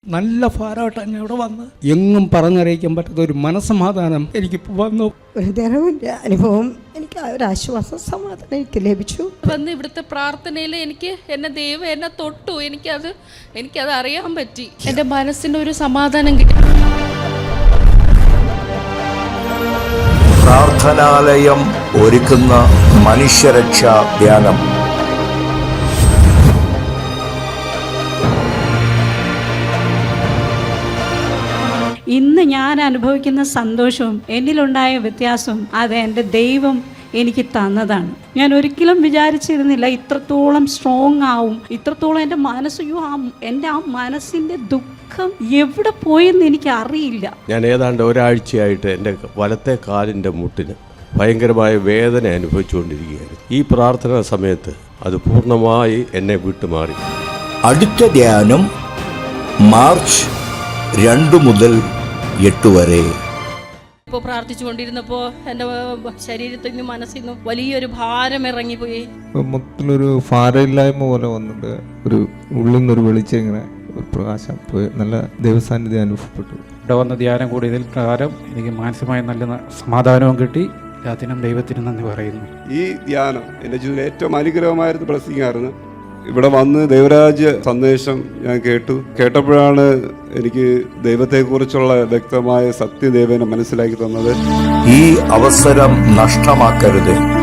നല്ല ഭാരമായിട്ടാണ് ഞാൻ ഇവിടെ വന്ന് എങ്ങും പറഞ്ഞറിയിക്കാൻ പറ്റാത്ത ഒരു മനസ്സമാധാനം എനിക്കിപ്പോൾ വന്നു. ഒരു നേരമില്ല അനുഭവം, എനിക്ക് ഒരു ആശ്വാസം സമാധാനം എനിക്ക് ലഭിച്ചു. വന്ന് ഇവിടുത്തെ പ്രാർത്ഥനയിൽ എന്നെ ദൈവം എന്നെ തൊട്ടു. എനിക്കത് അറിയാൻ പറ്റി. എൻ്റെ മനസ്സിന് ഒരു സമാധാനം കിട്ടി. പ്രാർത്ഥനാലയം ഒരുക്കുന്ന മനുഷ്യരക്ഷാ ധ്യാനം. ഇന്ന് ഞാൻ അനുഭവിക്കുന്ന സന്തോഷവും എന്നിലുണ്ടായ വ്യത്യാസവും അത് എൻ്റെ ദൈവം എനിക്ക് തന്നതാണ്. ഞാൻ ഒരിക്കലും വിചാരിച്ചിരുന്നില്ല ഇത്രത്തോളം സ്ട്രോങ് ആവും, ഇത്രത്തോളം എൻ്റെ എൻ്റെ ആ മനസ്സിൻ്റെ ദുഃഖം എവിടെ പോയെന്ന് എനിക്ക് അറിയില്ല. ഞാൻ ഏതാണ്ട് ഒരാഴ്ചയായിട്ട് എൻ്റെ വലത്തെ കാലിൻ്റെ മുട്ടിന് ഭയങ്കരമായ വേദന അനുഭവിച്ചുകൊണ്ടിരിക്കുകയായിരുന്നു. ഈ പ്രാർത്ഥനാ സമയത്ത് അത് പൂർണ്ണമായി എന്നെ വിട്ടുമാറി. അടുത്ത ധ്യാനം മാർച്ച് 2 മുതൽ 8 വരെ. ഇപ്പോൾ പ്രാർത്ഥിച്ചുകൊണ്ടിരുന്നപ്പോൾ എൻ്റെ ശരീരത്തിൽ നിന്നും മനസ്സിൽ നിന്നും വലിയൊരു ഭാരം ഇറങ്ങിപ്പോയി. മൊത്തത്തിലൊരു ഭാരമില്ലായ്മ പോലെ വന്നിട്ട് ഒരു ഉള്ളിൽ നിന്നൊരു വെളിച്ചം ഇങ്ങനെ ഒരു പ്രകാശം പോയി നല്ല ദൈവസാന്നിധ്യം അനുഭവപ്പെട്ടു. ഇവിടെ വന്ന ധ്യാനം കൂടിയതിൽ പ്രകാരം എനിക്ക് മാനസികമായി നല്ല സമാധാനവും കിട്ടി. അതിനും ദൈവത്തിന് നന്ദി പറയുന്നു. ഈ ധ്യാനം എൻ്റെ ജീവിതത്തിൽ ഏറ്റവും അനുഗ്രഹമായിരുന്നു, ബ്ലെസ്സിംഗ് ആയിരുന്നു. ഇവിടെ വന്ന് ദൈവരാജ്യ സന്ദേശം ഞാൻ കേട്ടപ്പോഴാണ് എനിക്ക് ദൈവത്തെക്കുറിച്ചുള്ള വ്യക്തമായ സത്യദേവനെ മനസ്സിലാക്കി തന്നത്. ഈ അവസരം നഷ്ടമാക്കരുത്.